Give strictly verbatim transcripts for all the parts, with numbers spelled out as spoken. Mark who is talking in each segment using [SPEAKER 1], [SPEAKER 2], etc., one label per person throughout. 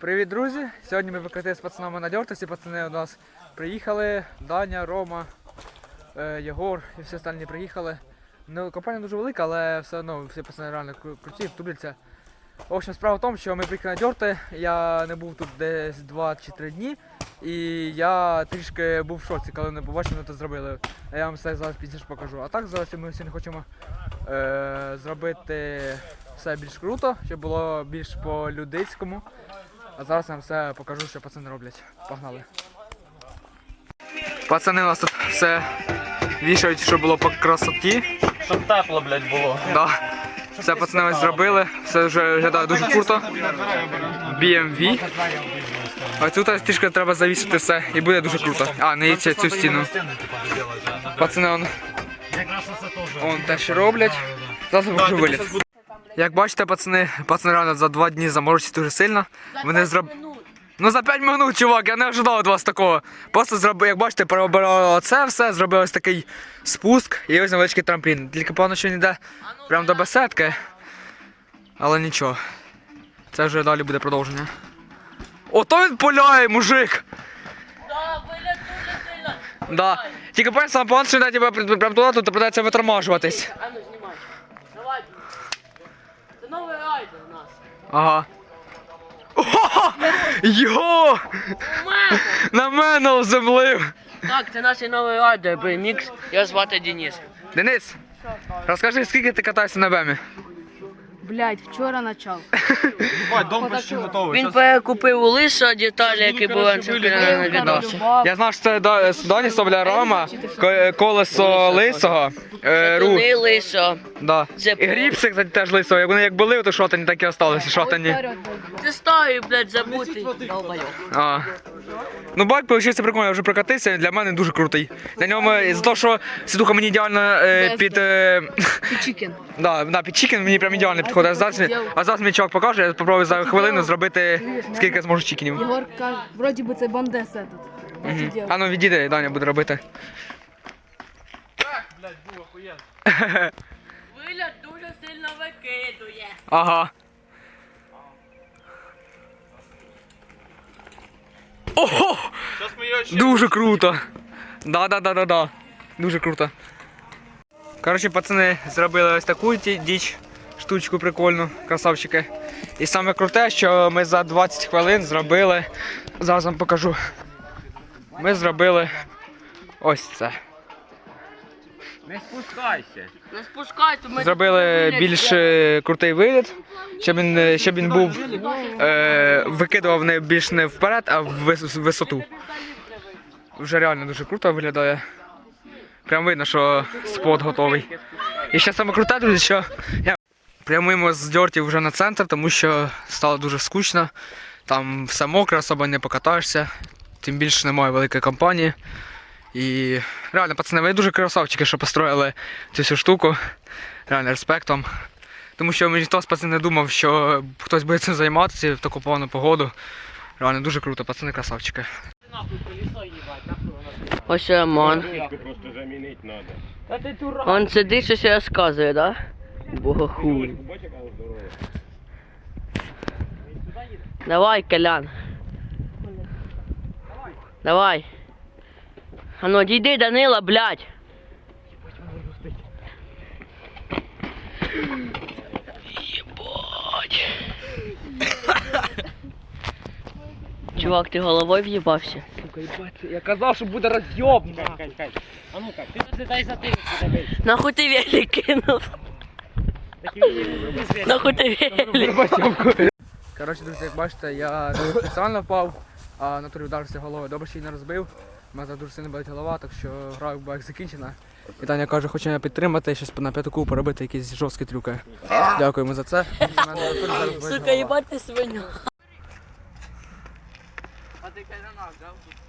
[SPEAKER 1] Привіт, друзі! Сьогодні ми викрити з пацанами на дьорти. Всі пацани у нас приїхали. Даня, Рома, Єгор і всі остальні приїхали. Ну, компанія дуже велика, але все одно всі пацани реально круті, тубляться. В общем, справа в тому, що ми приїхали на дьорти, я не був тут десь два чи три дні. І я трішки був в шоці, коли не побачив, ми це зробили. А я вам все зараз пізніше покажу. А так зараз ми сьогодні хочемо е, зробити все більш круто, щоб було більш по-людицькому. А зараз я вам все покажу, що пацани роблять. Погнали. Пацани у нас тут все вішають, щоб було по красоті.
[SPEAKER 2] Щоб тепло, блядь, було.
[SPEAKER 1] Да. Все пацани ось зробили, все вже виглядає дуже круто. бі ем ві. А тут трішки треба завісити все і буде дуже круто. А, не їдьте цю стіну. Пацани он, он теж роблять. Зараз я покажу виліт. Як бачите, пацани, пацани реально за два дні заморочаться дуже сильно. Вони зроб... Ну за п'ять минут, чувак, я не ожидав від вас такого. Просто зробили, як бачите, переобирали це все, зробили ось такий спуск і ось невеличкий трамплін. Тільки певно, що він йде прямо до беседки. Але нічого. Це вже далі буде продовження. Ото він пуляє, мужик!
[SPEAKER 3] Да, вилет дуже сильно.
[SPEAKER 1] Да. Тільки пам'ятаю, сам план, що йде тебе прямо туди, тут придеться витормажуватись.
[SPEAKER 3] А ну знімай. Давай. Це новий райдер у нас.
[SPEAKER 1] Ага. Ого! Йо!
[SPEAKER 3] У мене!
[SPEAKER 1] На мене оземлив!
[SPEAKER 3] Так, це наш новий райдер, бемікс. Його звати Денис.
[SPEAKER 1] Денис, розкажи, скільки ти катаєшся на бемі?
[SPEAKER 4] Блять, вчора почав.
[SPEAKER 2] Бать, дом почти готовий.
[SPEAKER 3] Він перекупив у Лиса деталі, які були раніше на відосі.
[SPEAKER 1] Я знав, що це До- з Доні Соболярома, ко- колесо лисого, е, ру,
[SPEAKER 3] Туди Лисо.
[SPEAKER 1] да.
[SPEAKER 3] Це
[SPEAKER 1] І гріпси, кстати, теж лисого. Як вони як були, то шотані так і осталися, шотані.
[SPEAKER 3] Ти старий, блядь, забутий. Долбайок.
[SPEAKER 1] А. Ну байк вийшов прикольно, я вже прокатився, для мене дуже крутий. На ньому, за те, що сідуха мені ідеально е, під... Е,
[SPEAKER 4] Чікен.
[SPEAKER 1] да, да, під чікен мені прям ідеально підходить. А зараз, а зараз мені чувак покаже, я спробую за хвилину зробити скільки я зможу чікенів.
[SPEAKER 4] Єгор каже, вроді би це бандеса тут.
[SPEAKER 1] Угу. А ну відійди, Даня буде робити.
[SPEAKER 3] Вилет дуже сильно викидує.
[SPEAKER 1] Ага. Ого! Дуже круто! Да-да-да-да-да. Дуже круто. Коротше, пацани зробили ось таку ті- діч, штучку прикольну, красавчики. І саме круте, що ми за двадцять хвилин зробили, зараз вам покажу. Ми зробили ось це.
[SPEAKER 2] Не спускайся.
[SPEAKER 3] Не спускай, то ми...
[SPEAKER 1] Зробили більш е, крутий виліт, щоб він, е, щоб він був, е, викидував не більш не вперед, а в вис- висоту. Вже реально дуже круто виглядає. Прям видно, що спот готовий. І ще саме круте, друзі, що я прямуємо з дьортів вже на центр, тому що стало дуже скучно. Там все мокре, особо не покатаєшся, тим більше немає великої компанії. І реально, пацани, ви дуже красавчики, що построїли цю всю штуку. Реально, респектом. Тому що ніхто з пацанів не думав, що хтось буде цим займатися в таку погану погоду. Реально дуже круто, пацани красавчики.
[SPEAKER 3] Ось Роман.
[SPEAKER 2] Просто замінити треба.
[SPEAKER 3] Он сидить, щось розказує, да? Богохуй. Давай, Колян. Давай. А ну, дійди, Данила, блядь. Єбать. Чувак, ти головою в'їбався?
[SPEAKER 1] Я казав, що буде роз'єб.
[SPEAKER 2] А ну-ка, ти розглядай за тим, куди вийшов.
[SPEAKER 3] Нахуй ти велик кинув? Нахуй ти велик?
[SPEAKER 1] Коротше, друзі, як бачите, я спеціально впав, а на турі вдарився головою. Добре, що її не розбив. У мене дуже сильно болить голова, так що гра як закінчена. І Таня каже, хоче мене підтримати, щось на п'ятаку поробити якісь жорсткі трюки. Дякуємо за це. У мене на турі зараз болить
[SPEAKER 3] Сука,
[SPEAKER 1] голова.
[SPEAKER 3] їбать ти свиню. А ти кайданах, да?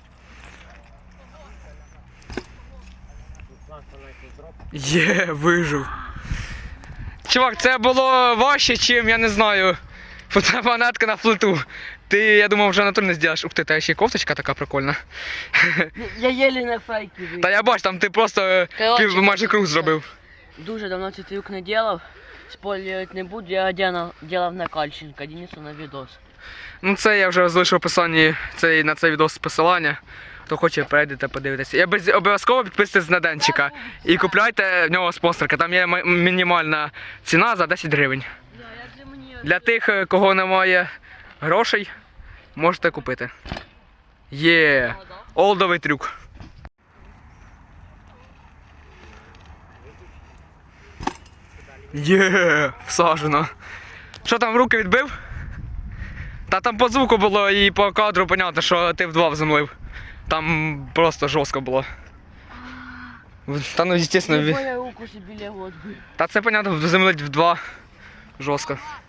[SPEAKER 1] Є, вижив. Чувак, це було важче, чим, я не знаю, фотоапаратка на флоту. Ти, я думав, вже натур не зробиш. Ух ти, та ще й кофточка така прикольна.
[SPEAKER 3] Я єлі на фейки вийшов.
[SPEAKER 1] Та я бачу, там ти просто
[SPEAKER 3] Коротше,
[SPEAKER 1] пів, майже круг зробив.
[SPEAKER 3] Дуже давно цей трюк не делав. Спойлерить не буду, я делав, делав на Кальченка, Денису на відос.
[SPEAKER 1] Ну це я вже залишу в описанні цей, на цей відос посилання. Хто хоче, перейдете, подивитися. І без- обов'язково підписуйтесь на Денчика і купляйте в нього спонсорка. Там є м- мінімальна ціна за десять гривень. Для тих, е, кого немає грошей, можете купити. Є олдовий трюк. Є, всажено. Що там в руки відбив? Та там по звуку було і по кадру понятно, що ти вдва вземлив. Там просто жорстко було. Та ну, звісно, ві-
[SPEAKER 3] Я руку собі лягу.
[SPEAKER 1] та це понятно, вземлить вдва жорстко.